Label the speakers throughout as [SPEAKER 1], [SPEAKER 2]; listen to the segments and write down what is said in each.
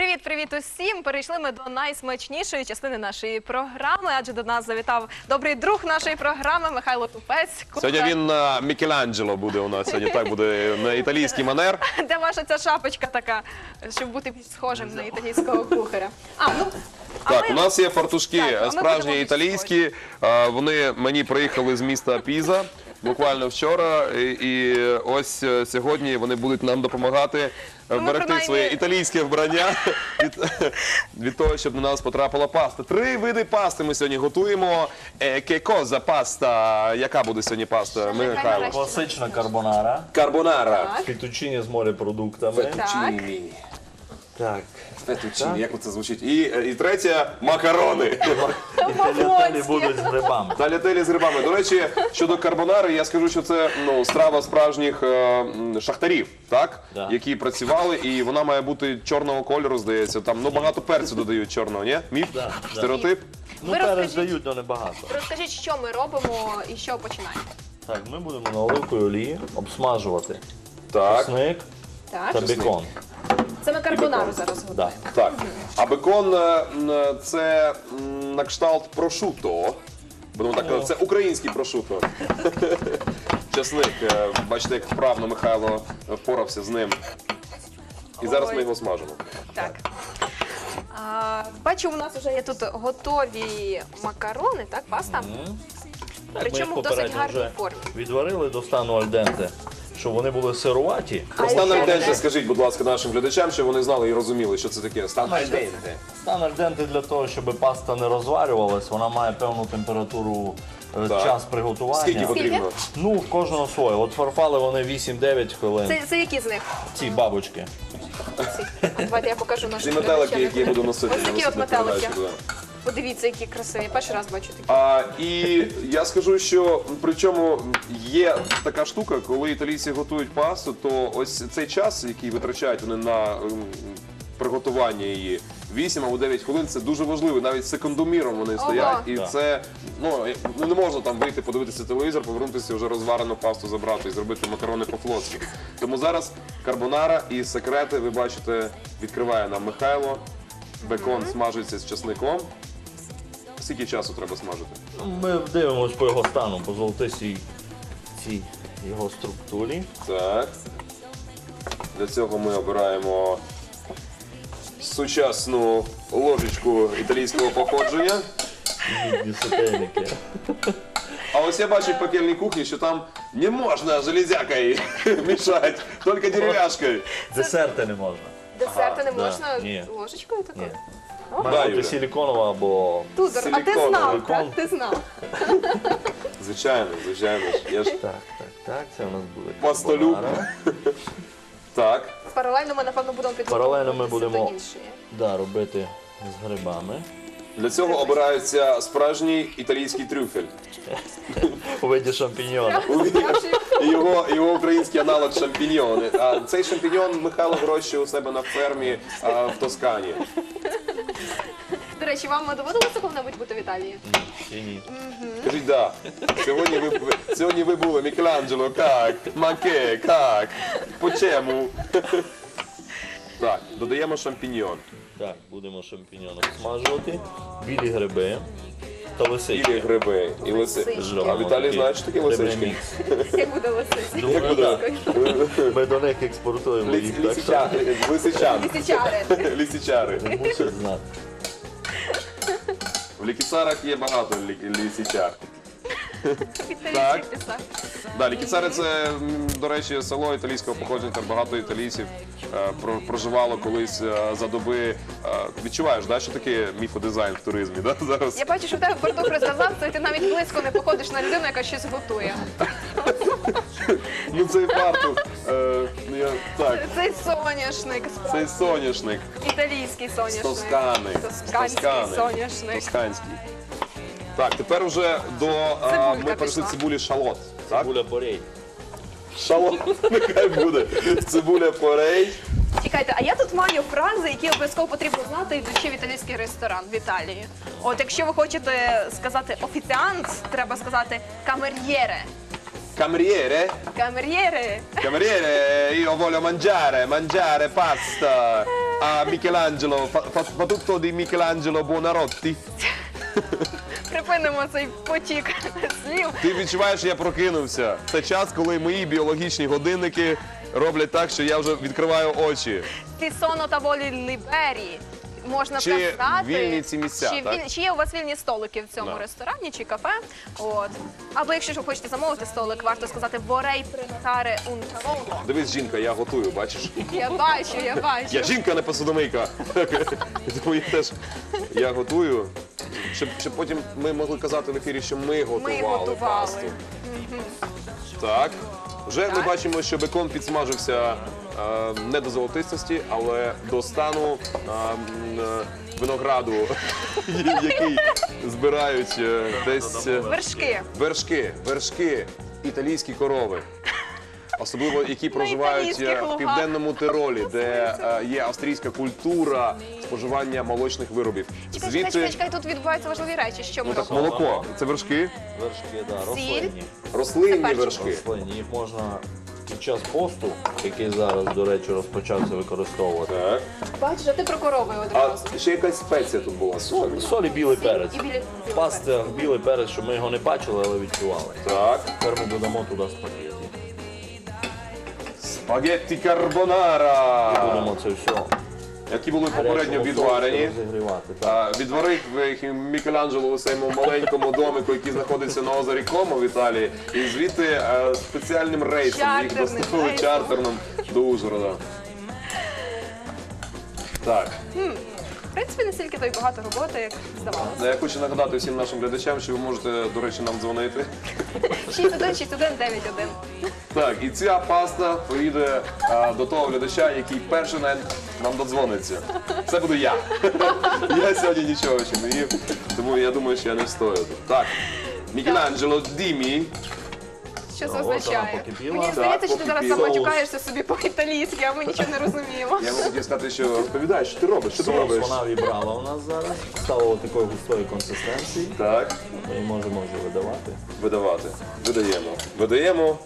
[SPEAKER 1] Привіт усім! Перейшли ми до найсмачнішої частини нашої програми, адже до нас завітав добрий друг нашої програми Михайло Тупець.
[SPEAKER 2] Сьогодні він Мікеланджело буде у нас, сьогодні так буде на італійський манер.
[SPEAKER 1] Де ваша ця шапочка така, щоб бути схожим на італійського кухаря?
[SPEAKER 2] Так, у нас є фартушки
[SPEAKER 1] Так,
[SPEAKER 2] справжні італійські, вони мені приїхали з міста Піза буквально вчора, і ось сьогодні вони будуть нам допомагати берегти своє італійське вбрання від того, щоб на нас потрапила паста. 3 види пасти ми сьогодні готуємо. Che cosa паста? Яка буде сьогодні паста, Михайло?
[SPEAKER 3] Класична карбонара.
[SPEAKER 2] Карбонара.
[SPEAKER 3] Фетучині з морепродуктами.
[SPEAKER 2] Фетучині.
[SPEAKER 3] Так.
[SPEAKER 2] Фетучині, як це звучить? І третя – макарони.
[SPEAKER 3] І талятелі будуть з грибами.
[SPEAKER 2] Талятелі з грибами. До речі, щодо карбонари, я скажу, що це страва справжніх шахтарів, так?
[SPEAKER 3] Да.
[SPEAKER 2] Які працювали, і вона має бути чорного кольору, здається. Там багато перцю додають чорного, ні? Міф?
[SPEAKER 3] Да, да.
[SPEAKER 2] Стереотип?
[SPEAKER 3] Ну,
[SPEAKER 1] Ви
[SPEAKER 3] перець
[SPEAKER 1] розкажіть.
[SPEAKER 3] дають, але небагато.
[SPEAKER 1] Розкажіть, що ми робимо і що починаємо.
[SPEAKER 3] Так, ми будемо на оливковій олії обсмажувати
[SPEAKER 2] Так.
[SPEAKER 3] чесник
[SPEAKER 1] Так,
[SPEAKER 3] та бекон.
[SPEAKER 1] це ми карбонару
[SPEAKER 2] бекон.
[SPEAKER 1] зараз
[SPEAKER 3] Да.
[SPEAKER 1] готуємо.
[SPEAKER 2] Так. А бекон – це на кшталт прошуто. Будемо так казати, це український прошуто. Часник, бачите, як вправно Михайло впорався з ним. І зараз ми його смажимо.
[SPEAKER 1] Так. Бачу, у нас вже є тут готові макарони, так, паста?
[SPEAKER 3] Так, ми їх
[SPEAKER 1] Причому в досить
[SPEAKER 3] попередньо
[SPEAKER 1] гарній
[SPEAKER 3] вже
[SPEAKER 1] формі.
[SPEAKER 3] відварили до стану альденте, щоб вони були сируваті.
[SPEAKER 2] Стан
[SPEAKER 1] ще
[SPEAKER 2] альденте,
[SPEAKER 1] не-
[SPEAKER 2] скажіть, будь ласка, нашим глядачам, щоб вони знали і розуміли, що це таке. Стан альденте.
[SPEAKER 3] Стан альденте для того, щоб паста не розварювалась, вона має певну температуру,
[SPEAKER 2] Так.
[SPEAKER 3] час приготування.
[SPEAKER 2] Скільки потрібно?
[SPEAKER 3] Ну, в кожного своє. От фарфали вони 8-9 хвилин.
[SPEAKER 1] Це які з них?
[SPEAKER 3] Ці бабочки.
[SPEAKER 1] Давайте я покажу
[SPEAKER 2] Ці
[SPEAKER 1] нашим
[SPEAKER 2] метелики,
[SPEAKER 1] глядачам.
[SPEAKER 2] які я буду носити.
[SPEAKER 1] Ось
[SPEAKER 2] на
[SPEAKER 1] такі от
[SPEAKER 2] наступну
[SPEAKER 1] метелики.
[SPEAKER 2] передачу, да.
[SPEAKER 1] Подивіться, які красиві. Перший раз бачу такі.
[SPEAKER 2] І я скажу, що причому є така штука, коли італійці готують пасту, то ось цей час, який витрачають вони на приготування її, 8 або 9 хвилин, це дуже важливо. Навіть секундоміром вони стоять, і
[SPEAKER 3] Так.
[SPEAKER 2] це не можна там вийти, подивитися телевізор, повернутися вже розварену пасту забрати і зробити макарони по-флотськи. Тому зараз карбонара і секрети, ви бачите, відкриває нам Михайло. Бекон смажиться з часником. Скільки часу треба смажити?
[SPEAKER 3] Ми дивимося по його стану, по золотистій цій його структурі.
[SPEAKER 2] Так. Для цього ми обираємо сучасну ложечку італійського походження.
[SPEAKER 3] Мідні сотейники.
[SPEAKER 2] А ось я бачу в пекельній кухні, що там не можна железякою мішати, тільки дерев'яшкою.
[SPEAKER 3] Десерти не можна.
[SPEAKER 1] Десерти не
[SPEAKER 3] да.
[SPEAKER 1] можна
[SPEAKER 3] Ні.
[SPEAKER 1] ложечкою такою?
[SPEAKER 3] Ні.
[SPEAKER 2] Да,
[SPEAKER 3] Має
[SPEAKER 2] Юля.
[SPEAKER 3] бути силіконова або...
[SPEAKER 1] Тузор, а ти
[SPEAKER 2] Силіконовий
[SPEAKER 1] знав,
[SPEAKER 3] кон.
[SPEAKER 1] так? Ти знав.
[SPEAKER 2] Звичайно, звичайно. Я ж...
[SPEAKER 3] Так, це у нас буде
[SPEAKER 2] Пастолюб.
[SPEAKER 3] карбонара.
[SPEAKER 2] Так.
[SPEAKER 1] Паралельно ми, напевно, будемо
[SPEAKER 3] Паралельно ми
[SPEAKER 1] підготовлюватися
[SPEAKER 3] будемо
[SPEAKER 1] до іншої.
[SPEAKER 3] Да, робити з грибами.
[SPEAKER 2] Для цього обирається справжній італійський трюфель.
[SPEAKER 3] У виді шампіньйона.
[SPEAKER 2] І його український аналог шампіньйони. А цей шампіньйон Михайло вирощує у себе на фермі в Тоскані.
[SPEAKER 1] До речі, вам доводилося коли-небудь бути в Італії?
[SPEAKER 3] Чи ні?
[SPEAKER 2] Скажіть, да. Сьогодні ви були, Мікеланджело, як? Маке, як? Почему? Так, додаємо шампіньйон.
[SPEAKER 3] Так, будемо шампіньйон обсмажувати. Білі гриби та лисички.
[SPEAKER 2] Білі гриби і лисички. А Віталій знає, що таке лисички?
[SPEAKER 1] Як буде лисиці?
[SPEAKER 3] Думаю,
[SPEAKER 2] буде?
[SPEAKER 3] так. Ми до них експортуємо їх, так що
[SPEAKER 2] Лисичан.
[SPEAKER 1] Лисичари.
[SPEAKER 2] Лисичари.
[SPEAKER 3] мусять знати.
[SPEAKER 2] В Лікіцарах є багато лисичар.
[SPEAKER 1] Італійський писар.
[SPEAKER 2] Да, Лікіцари – це, до речі, село італійського походження, там багато італійців проживало колись за доби. Відчуваєш, да, що таке міфодизайн в туризмі, да, зараз?
[SPEAKER 1] Я бачу, що в тебе фартух розв'язався, і ти навіть близько не походиш на людину, яка щось готує.
[SPEAKER 2] Ну цей фартух, так,
[SPEAKER 1] Цей соняшник,
[SPEAKER 2] цей соняшник,
[SPEAKER 1] італійський
[SPEAKER 2] з
[SPEAKER 1] соняшник.
[SPEAKER 2] Тоскани.
[SPEAKER 1] Тосканський соняшник.
[SPEAKER 2] Тосканський. Так, тепер вже
[SPEAKER 1] Цибулька
[SPEAKER 2] ми перейшли
[SPEAKER 1] пішла.
[SPEAKER 2] цибулі шалот. Так?
[SPEAKER 3] Цибуля порей.
[SPEAKER 2] Шалот, нехай буде. Цибуля порей.
[SPEAKER 1] Чекайте, а я тут маю фрази, які обов'язково потрібно знати, йдучи в італійський ресторан в Італії. От якщо ви хочете сказати офіціант, треба сказати камер'єре.
[SPEAKER 2] Cameriere?
[SPEAKER 1] Камер'єре.
[SPEAKER 2] Cameriere, io voglio mangiare pasta. a Michelangelo, fa tutto di Michelangelo Buonarroti.
[SPEAKER 1] Припинимо цей потік слів.
[SPEAKER 2] Ти відчуваєш, що я прокинувся. Це час, коли мої біологічні годинники роблять так, що я вже відкриваю очі.
[SPEAKER 1] Ці соно та волі лібері. Можна
[SPEAKER 2] Чи
[SPEAKER 1] сказати,
[SPEAKER 2] вільні ці місця,
[SPEAKER 1] чи,
[SPEAKER 2] так?
[SPEAKER 1] чи є у вас вільні столики в цьому
[SPEAKER 2] Да.
[SPEAKER 1] ресторані чи кафе. От. Або якщо ж ви хочете замовити столик, варто сказати «vorrei prenotare un tavolo».
[SPEAKER 2] Дивись, жінка, я готую, бачиш?
[SPEAKER 1] Я бачу, я бачу.
[SPEAKER 2] Я жінка, не посудомийка. Тому я готую, щоб потім ми могли казати в ефірі, що ми готували
[SPEAKER 1] готували.
[SPEAKER 2] пасту. Так. Вже ми бачимо, що бекон підсмажився не до золотистості, але до стану винограду, який збирають десь вершки, італійські корови. Особливо, які проживають
[SPEAKER 1] італійських
[SPEAKER 2] в
[SPEAKER 1] лугах.
[SPEAKER 2] південному Тиролі, де є австрійська культура споживання молочних виробів.
[SPEAKER 1] Чекай, тут відбуваються важливі речі. Що ми
[SPEAKER 2] Ну так,
[SPEAKER 1] робимо?
[SPEAKER 2] молоко, це вершки,
[SPEAKER 3] Вершки, да,
[SPEAKER 1] Сіль.
[SPEAKER 3] рослинні.
[SPEAKER 2] рослинні
[SPEAKER 1] перчик.
[SPEAKER 2] вершки.
[SPEAKER 3] Рослинні. Їх можна під час посту, який зараз, до речі, розпочався використовувати.
[SPEAKER 2] Так.
[SPEAKER 1] Бачиш, а ти про корови
[SPEAKER 2] А
[SPEAKER 1] одразу.
[SPEAKER 2] ще якась спеція тут була.
[SPEAKER 3] Соль і білий перець.
[SPEAKER 1] І білі-
[SPEAKER 3] В пастах білий перець, щоб ми його не бачили, але відчували.
[SPEAKER 2] Так.
[SPEAKER 3] Тепер ми додамо туди спагетті.
[SPEAKER 2] Спагетті карбонара.
[SPEAKER 3] Будемо це все
[SPEAKER 2] Які були попередньо
[SPEAKER 3] гарячому
[SPEAKER 2] відварені.
[SPEAKER 3] соусі розігрівати. Так.
[SPEAKER 2] Відварив їх Мікеланджело у своєму маленькому домику, який знаходиться на озері Комо в Італії. І звідти спеціальним рейсом їх
[SPEAKER 1] Чартерним
[SPEAKER 2] доставили
[SPEAKER 1] рейсом.
[SPEAKER 2] чартерним до Ужгорода. Так.
[SPEAKER 1] В принципі, не стільки то й багато роботи, як здавалося.
[SPEAKER 2] Я хочу нагадати всім нашим глядачам, що ви можете, до речі, нам дзвонити.
[SPEAKER 1] 616191.
[SPEAKER 2] Так, і ця паста поїде до того глядача, який перший нам додзвониться. Це буду я. Я сьогодні нічого ще не їв, тому я думаю, що я не встою. Так, Мікеланджело, дімі.
[SPEAKER 1] Що це
[SPEAKER 3] От вона
[SPEAKER 1] означає?
[SPEAKER 3] покипіла.
[SPEAKER 1] Мені
[SPEAKER 3] Так,
[SPEAKER 1] здається, що ти зараз
[SPEAKER 2] покипіла.
[SPEAKER 1] заматюкаєшся собі по-італійськи, а ми нічого не розуміємо.
[SPEAKER 2] Я вам хотів сказати, що розповідай, що ти робиш, що ти робиш.
[SPEAKER 3] Соус вона вібрала у нас зараз. Стало такої густої консистенції.
[SPEAKER 2] Так,
[SPEAKER 3] Ми її можемо вже видавати.
[SPEAKER 2] видавати. Видаємо.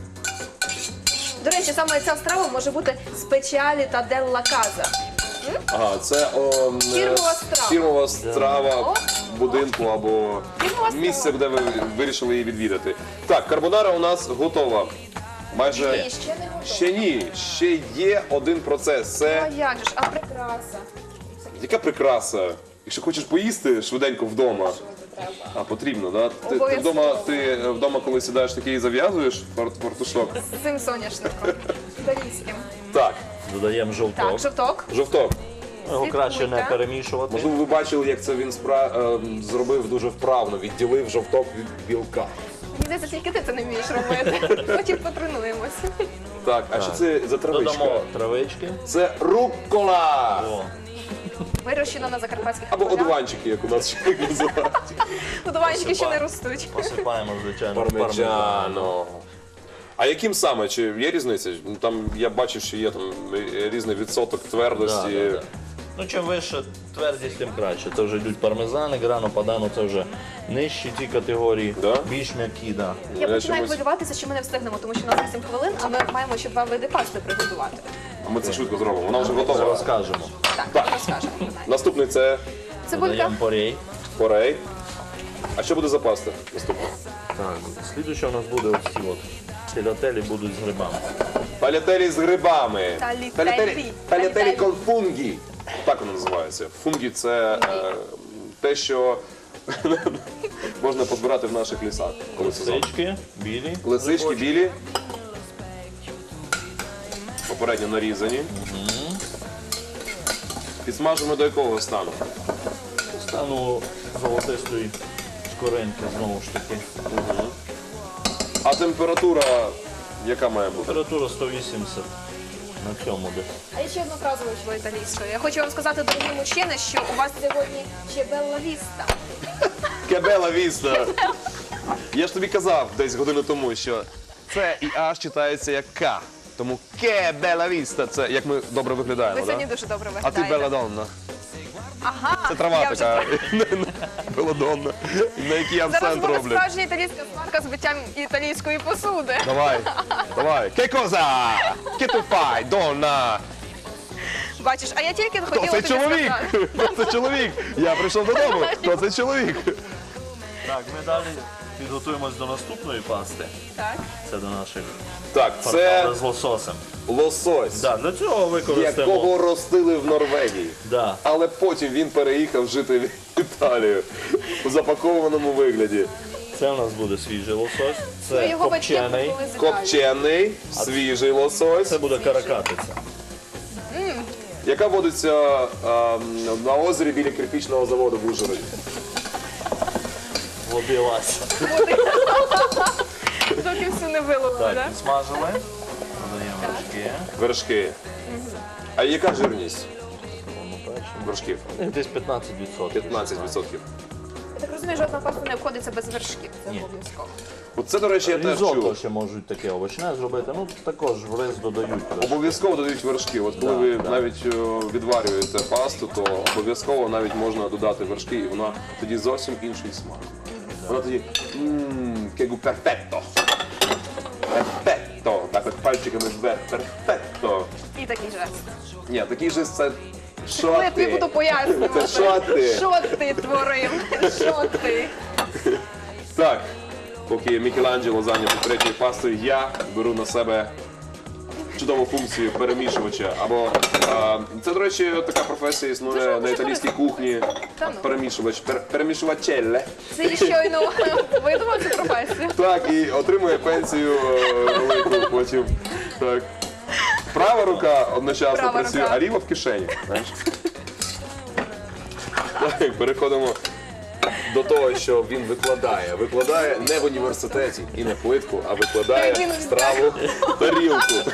[SPEAKER 1] До речі, саме ця страва може бути спеціалі та делла каза.
[SPEAKER 2] Ага, це
[SPEAKER 1] Фірмова страва.
[SPEAKER 2] фірмова страва
[SPEAKER 1] О.
[SPEAKER 2] будинку або
[SPEAKER 1] Фірмова страва.
[SPEAKER 2] місце, де ви вирішили її відвідати. Так, карбонара у нас готова. Майже
[SPEAKER 1] Ні, ще не готово.
[SPEAKER 2] ще ні, ще є один процес.
[SPEAKER 1] А
[SPEAKER 2] Це
[SPEAKER 1] як же ж, а прикраса?
[SPEAKER 2] яка прикраса. Якщо хочеш поїсти швиденько вдома, а потрібно, да? Ти вдома, коли сідаєш такий, зав'язуєш фартушок.
[SPEAKER 1] З цим соняшником. Італійським.
[SPEAKER 2] Так,
[SPEAKER 3] Додаємо
[SPEAKER 1] Так,
[SPEAKER 3] жовток.
[SPEAKER 1] жовток.
[SPEAKER 2] жовток.
[SPEAKER 3] Його краще не
[SPEAKER 1] Слідкуйте.
[SPEAKER 3] перемішувати.
[SPEAKER 2] Можливо, ви бачили, як це він зробив дуже вправно, відділив жовток від білка.
[SPEAKER 1] Мені здається, тільки ти це не вмієш робити. Потім потренуємося.
[SPEAKER 2] Так, а що це за травичка?
[SPEAKER 3] Додамо травички.
[SPEAKER 2] Це руккола!
[SPEAKER 3] О,
[SPEAKER 1] Вирощено на закарпатських
[SPEAKER 2] Або
[SPEAKER 1] полях.
[SPEAKER 2] одуванчики, як у нас ще називають.
[SPEAKER 1] Одуванчики ще не ростуть.
[SPEAKER 3] посипаємо, звичайно, пармезаном.
[SPEAKER 2] Пармеджано. А яким саме? Чи є різниця? Ну, там я бачив, що є там різний відсоток твердості.
[SPEAKER 3] Да. Ну, чим вище твердість, тим краще. Це вже йдуть пармезани, грано падано, це вже нижчі ті категорії,
[SPEAKER 2] Да?
[SPEAKER 3] більш м'які, да.
[SPEAKER 1] Я починаю
[SPEAKER 2] чомусь-
[SPEAKER 1] хвилюватися, що ми не встигнемо, тому що у нас 8 хвилин, а ми маємо ще 2 види пасти приготувати.
[SPEAKER 2] А ми це швидко зробимо. Вона вже
[SPEAKER 3] Це
[SPEAKER 2] готова.
[SPEAKER 3] розкажемо.
[SPEAKER 1] Так, розкажемо.
[SPEAKER 2] Наступний це
[SPEAKER 1] Цибулька.
[SPEAKER 3] Додаємо порей.
[SPEAKER 2] порей. А що буде за паста? Наступне.
[SPEAKER 3] Так, слідуюче у нас буде ось ці от філателі будуть з грибами.
[SPEAKER 2] Талятелі з грибами.
[SPEAKER 1] Талітелі.
[SPEAKER 2] Талятелі кон фунгі. Так воно називається. Фунгі це те, що можна позбирати в наших лісах. Коли сезон.
[SPEAKER 3] Лисички, білі.
[SPEAKER 2] Лисички
[SPEAKER 3] грибочки.
[SPEAKER 2] білі. Попередньо нарізані. Підсмажимо до якого стану?
[SPEAKER 3] Стану золотистої шкоринки знову ж таки.
[SPEAKER 2] А температура яка має бути?
[SPEAKER 3] Температура 180 на цьому десь.
[SPEAKER 1] А я ще одну фразу вивчила італійською. Я хочу вам сказати, дорогі мужчини, що у вас сьогодні ще белла віста.
[SPEAKER 2] Кебела віста. Я ж тобі казав десь годину тому, що це і Аж читається як К. Тому кебела віста. Це як ми добре
[SPEAKER 1] Ви
[SPEAKER 2] виглядаємо,
[SPEAKER 1] сьогодні
[SPEAKER 2] да?
[SPEAKER 1] дуже добре
[SPEAKER 2] А ти
[SPEAKER 1] виглядаєте.
[SPEAKER 2] беладонна.
[SPEAKER 1] Ага,
[SPEAKER 2] Це трава
[SPEAKER 1] я вже
[SPEAKER 2] така. Беладонна. На якій
[SPEAKER 1] Зараз
[SPEAKER 2] акцент
[SPEAKER 1] буде
[SPEAKER 2] роблять.
[SPEAKER 1] справжня італійська сварка з биттям італійської посуди.
[SPEAKER 2] Давай, давай. Che cosa? Che tu fai, donna?
[SPEAKER 1] Бачиш, а я тільки
[SPEAKER 2] Хто
[SPEAKER 1] хотіла
[SPEAKER 2] цей
[SPEAKER 1] тобі
[SPEAKER 2] чоловік?
[SPEAKER 1] сказати.
[SPEAKER 2] Хто це чоловік? Я прийшов додому. Хто це чоловік?
[SPEAKER 3] Так, ми далі підготуємось до наступної пасти.
[SPEAKER 1] Так.
[SPEAKER 3] Це до наших
[SPEAKER 2] Так, це
[SPEAKER 3] фарфали з лососем.
[SPEAKER 2] лосось,
[SPEAKER 3] Да, для цього використаємо.
[SPEAKER 2] якого ростили в Норвегії.
[SPEAKER 3] Да.
[SPEAKER 2] Але потім він переїхав жити в Італію у запакованому вигляді.
[SPEAKER 3] Це у нас буде свіжий лосось,
[SPEAKER 1] Ну,
[SPEAKER 3] це
[SPEAKER 1] його батьки
[SPEAKER 3] копчений,
[SPEAKER 1] були з Італії.
[SPEAKER 2] Копчений, свіжий лосось,
[SPEAKER 3] це буде каракатиця.
[SPEAKER 2] яка водиться на озері біля кирпічного заводу в Ужгороді.
[SPEAKER 3] Водилась.
[SPEAKER 1] Доки все не виловили,
[SPEAKER 3] Так,
[SPEAKER 1] так?
[SPEAKER 3] смажили, додаємо вершки.
[SPEAKER 2] Вершки. А яка жирність вершків?
[SPEAKER 3] Десь 15%.
[SPEAKER 2] 15%.
[SPEAKER 1] Я так розумію, жодна паста не обходиться без вершків. Це
[SPEAKER 3] Ні.
[SPEAKER 1] обов'язково.
[SPEAKER 2] Оце, до речі, я теж
[SPEAKER 3] Різотто
[SPEAKER 2] чув.
[SPEAKER 3] ще можуть таке овочне зробити, ну також в рис додають. вершки.
[SPEAKER 2] Обов'язково додають вершки. От коли ви навіть відварюєте пасту, то обов'язково навіть можна додати вершки, і вона тоді зовсім інший смак. Вона тоді кегу перфетто. Перфетто. Так от пальчиками вверх. Перфетто.
[SPEAKER 1] І такий жест.
[SPEAKER 2] Ні, такий же це що
[SPEAKER 1] Коли я тобі
[SPEAKER 2] ти?
[SPEAKER 1] буду пояснювати.
[SPEAKER 2] Та що ти?
[SPEAKER 1] Що ти творив? Що ти?
[SPEAKER 2] Так, поки Мікеланджело зайнятий третьою пастою, я беру на себе чудову функцію перемішувача. Або це, до речі, така професія існує на італійській кухні.
[SPEAKER 1] Та ну.
[SPEAKER 2] Перемішувач, перемішувачелле.
[SPEAKER 1] Це щойно видумав цю професію.
[SPEAKER 2] Так, і отримує пенсію велику потім. Так. Права рука одночасно
[SPEAKER 1] Права
[SPEAKER 2] працює,
[SPEAKER 1] рука.
[SPEAKER 2] а ліва в кишені. Знаєш? Так, переходимо до того, що він викладає. Викладає не в університеті і не плитку, а викладає
[SPEAKER 1] Він
[SPEAKER 2] страву в тарілку.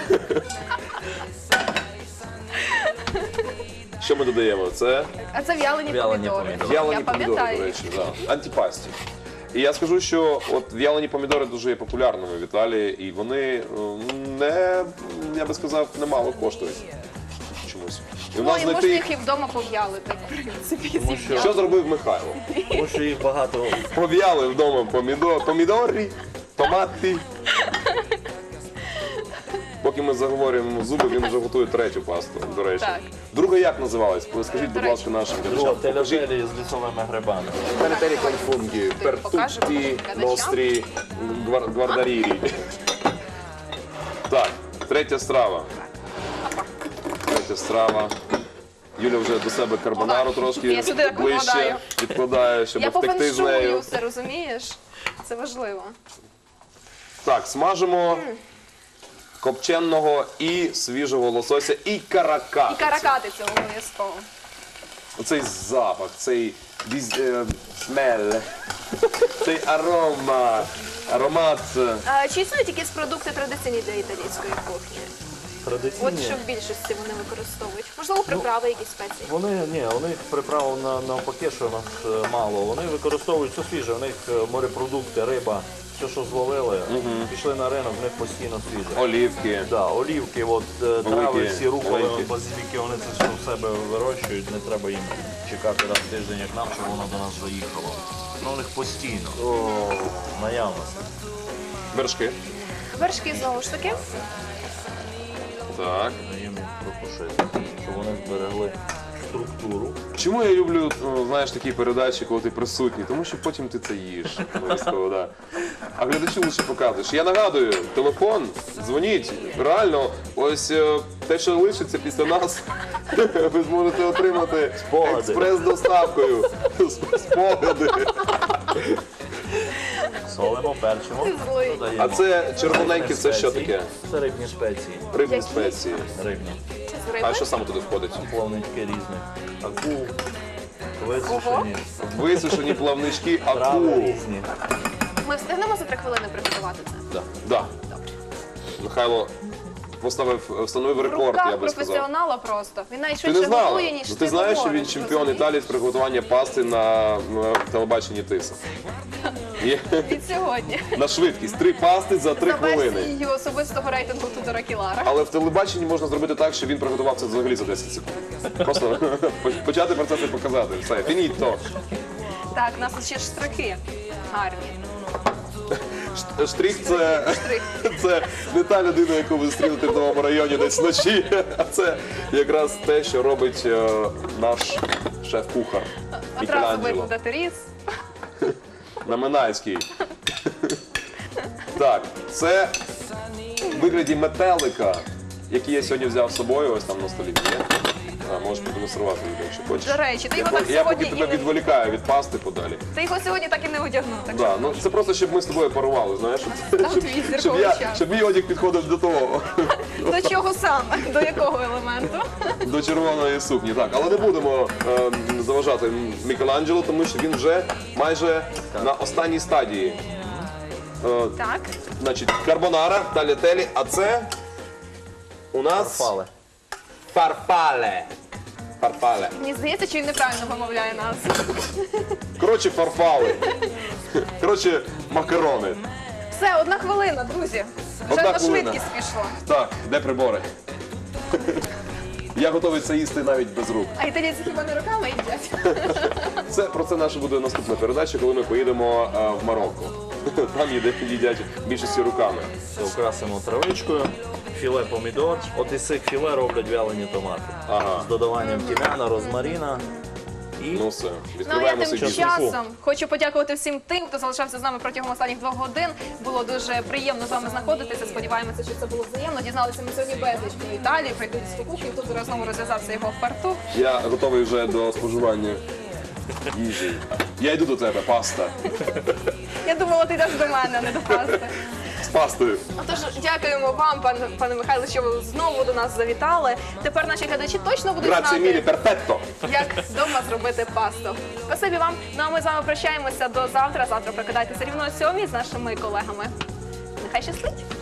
[SPEAKER 2] Що ми додаємо? Це
[SPEAKER 1] А це в'ялені
[SPEAKER 3] В'ялені
[SPEAKER 1] помідори.
[SPEAKER 3] помідори.
[SPEAKER 2] в'ялені
[SPEAKER 1] Я
[SPEAKER 2] помідори, до
[SPEAKER 1] пам'ятаю.
[SPEAKER 2] речі, да. Антипасті. І я скажу, що от в'ялені помідори дуже є популярними в Італії, і вони не, я би сказав, немало коштують чомусь. І в
[SPEAKER 1] Ну,
[SPEAKER 2] нас
[SPEAKER 1] і можна
[SPEAKER 2] знайти,
[SPEAKER 1] їх і вдома пов'ялити, в принципі,
[SPEAKER 2] що зробив Михайло?
[SPEAKER 3] Тому що їх багато.
[SPEAKER 2] Пов'яли вдома помідори, томати. Поки ми заговорюємо зуби, він вже готує третю пасту, до речі.
[SPEAKER 1] Так.
[SPEAKER 2] Друга як називалась? Скажіть, будь
[SPEAKER 1] До речі.
[SPEAKER 2] ласка, нашим
[SPEAKER 3] Друга
[SPEAKER 2] глядачам. Покажіть.
[SPEAKER 3] телятелі з лісовими грибами.
[SPEAKER 2] Перетері конфунгі,
[SPEAKER 1] покажемо
[SPEAKER 2] пертутті,
[SPEAKER 1] глядачам.
[SPEAKER 2] нострі, гвардарірі. Так, третя страва. Третя страва. Юля вже до себе карбонару трошки
[SPEAKER 1] Я сюди
[SPEAKER 2] ближче
[SPEAKER 1] накладаю.
[SPEAKER 2] відкладає, щоб
[SPEAKER 1] Я
[SPEAKER 2] втекти з нею.
[SPEAKER 1] пофеншую все, розумієш? Це важливо.
[SPEAKER 2] Так, смажимо копченого і свіжого лосося, і каракатицю.
[SPEAKER 1] І каракатицю обов'язково.
[SPEAKER 2] Оцей запах, цей смель, цей аромат.
[SPEAKER 1] А, чи існують якісь продукти традиційні для італійської кухні? От
[SPEAKER 3] Традиційні.
[SPEAKER 1] що в більшості вони використовують? Можливо, приправи, якісь спеції?
[SPEAKER 3] У них приправ навпаки, що у нас мало. Вони використовують все свіже, у них морепродукти, риба, все, що зловили, пішли на ринок, в них постійно свіже.
[SPEAKER 2] Олівки.
[SPEAKER 3] Да, олівки, от, трави, всі руколи,
[SPEAKER 2] маленькі.
[SPEAKER 3] базиліки, вони це все в себе вирощують, не треба їм чекати раз в тиждень, як нам, щоб воно до нас заїхало. Ну, у них постійно, наявності.
[SPEAKER 2] Вершки.
[SPEAKER 1] Вершки знову ж таки.
[SPEAKER 2] Так.
[SPEAKER 3] Даємо їм протушити, щоб вони зберегли структуру.
[SPEAKER 2] Чому я люблю, знаєш, такі передачі, коли ти присутній? Тому що потім ти це їш. Обов'язково, да. А глядачу лише показуєш. Я нагадую, телефон, дзвоніть. Реально, ось те, що лишиться після нас, ви зможете отримати
[SPEAKER 3] Спогади.
[SPEAKER 2] експрес-доставкою. Спогади.
[SPEAKER 3] Солимо, перчимо.
[SPEAKER 1] Ти злий.
[SPEAKER 3] додаємо
[SPEAKER 2] А це червоненьке,
[SPEAKER 3] рибні
[SPEAKER 2] це що
[SPEAKER 3] спеції.
[SPEAKER 2] таке?
[SPEAKER 3] Це рибні спеції.
[SPEAKER 2] Рибні
[SPEAKER 1] Які?
[SPEAKER 2] спеції.
[SPEAKER 3] Рибні.
[SPEAKER 1] З риби?
[SPEAKER 2] А що саме туди входить?
[SPEAKER 3] Плавнички різні. Акул, висушені,
[SPEAKER 2] Висушені плавнички,
[SPEAKER 3] трави
[SPEAKER 2] акул.
[SPEAKER 3] різні.
[SPEAKER 1] Ми встигнемо за 3 хвилини приготувати це?
[SPEAKER 3] Да.
[SPEAKER 2] Да. Михайло встановив
[SPEAKER 1] В
[SPEAKER 2] рекорд, я
[SPEAKER 1] руках
[SPEAKER 2] би сказав.
[SPEAKER 1] професіонала просто. Він навіть
[SPEAKER 2] Ти не
[SPEAKER 1] швидше
[SPEAKER 2] знала?
[SPEAKER 1] готує, ніж
[SPEAKER 2] Ну, ти знаєш, що він
[SPEAKER 1] говориш,
[SPEAKER 2] чемпіон
[SPEAKER 1] розумієш?
[SPEAKER 2] Італії з приготування пасти на телебаченні Тиса. Є
[SPEAKER 1] Від сьогодні.
[SPEAKER 2] на швидкість. 3 пасти за 3
[SPEAKER 1] За
[SPEAKER 2] хвилини.
[SPEAKER 1] версією особистого рейтингу Тудора Кілара.
[SPEAKER 2] Але в телебаченні можна зробити так, що він приготував це взагалі за 10 секунд. Просто почати процес і показати. Все, фініто.
[SPEAKER 1] Так, у нас ще штрихи гарні.
[SPEAKER 2] Штрих це,
[SPEAKER 1] Штрих.
[SPEAKER 2] це не та людина, яку ви зустрінете в новому районі десь вночі, а це якраз те, що робить наш шеф-кухар
[SPEAKER 1] Одразу
[SPEAKER 2] Мікеланджело.
[SPEAKER 1] видно, де ти ріс.
[SPEAKER 2] На Минайській. Так, це в вигляді метелика, який я сьогодні взяв з собою, ось там на столі є. Можеш продемонструвати, якщо хочеш.
[SPEAKER 1] До речі, ти його так
[SPEAKER 2] Я поки
[SPEAKER 1] сьогодні і
[SPEAKER 2] тебе
[SPEAKER 1] не...
[SPEAKER 2] відволікаю від пасти подалі.
[SPEAKER 1] Ти його сьогодні так і не одягнув. Так
[SPEAKER 2] Да, ну це просто, щоб ми з тобою парували, знаєш,
[SPEAKER 1] Там твій зірковий час.
[SPEAKER 2] щоб мій одяг підходив до того,
[SPEAKER 1] До чого саме? До якого елементу?
[SPEAKER 2] до червоної сукні. Так, але не будемо заважати Мікеланджело, тому що він вже майже на останній стадії.
[SPEAKER 1] Так.
[SPEAKER 2] Значить, карбонара, талітелі, а це у нас
[SPEAKER 3] Фали.
[SPEAKER 2] фарфале. Фарфале.
[SPEAKER 1] Мені здається, що він неправильно вимовляє назву.
[SPEAKER 2] Коротше, фарфали. Коротше, макарони.
[SPEAKER 1] Все, 1 хвилина, друзі. Вже
[SPEAKER 2] Одна
[SPEAKER 1] на
[SPEAKER 2] хвилина.
[SPEAKER 1] швидкість пішло.
[SPEAKER 2] Так, де прибори? Я готовий це їсти навіть без рук.
[SPEAKER 1] А італійці хіба не руками їдять?
[SPEAKER 2] Це про це наша буде наступна передача, коли ми поїдемо в Марокко. Там їдять більшості руками.
[SPEAKER 3] Це украсимо травичкою, філе помідор. От із цих філе роблять вялені томати.
[SPEAKER 2] Ага.
[SPEAKER 3] З додаванням тім'яна, розмарина і
[SPEAKER 2] Ну все,
[SPEAKER 1] Ну а я
[SPEAKER 2] відкриваємо
[SPEAKER 1] тим
[SPEAKER 2] свій бізнес.
[SPEAKER 1] часом хочу подякувати всім тим, хто залишався з нами протягом останніх 2 годин. Було дуже приємно з вами знаходитися. Сподіваємося, що це було взаємно. Дізналися ми сьогодні безліч про Італію, про італійську кухню. Тут зараз знову розв'язався його фартух.
[SPEAKER 2] Я готовий вже до споживання їжі. Я йду до тебе, паста.
[SPEAKER 1] Я думала, ти йдеш до мене, а не до пасти.
[SPEAKER 2] З пастою.
[SPEAKER 1] Отож, дякуємо вам, пане Михайло, що ви знову до нас завітали. Тепер наші глядачі точно будуть
[SPEAKER 2] Граzie mille,
[SPEAKER 1] знати,
[SPEAKER 2] perfetto.
[SPEAKER 1] як вдома зробити пасту. Спасибі вам. Ну а ми з вами прощаємося до завтра. Завтра прокидайтеся рівно о 7 з нашими колегами. Нехай щастить!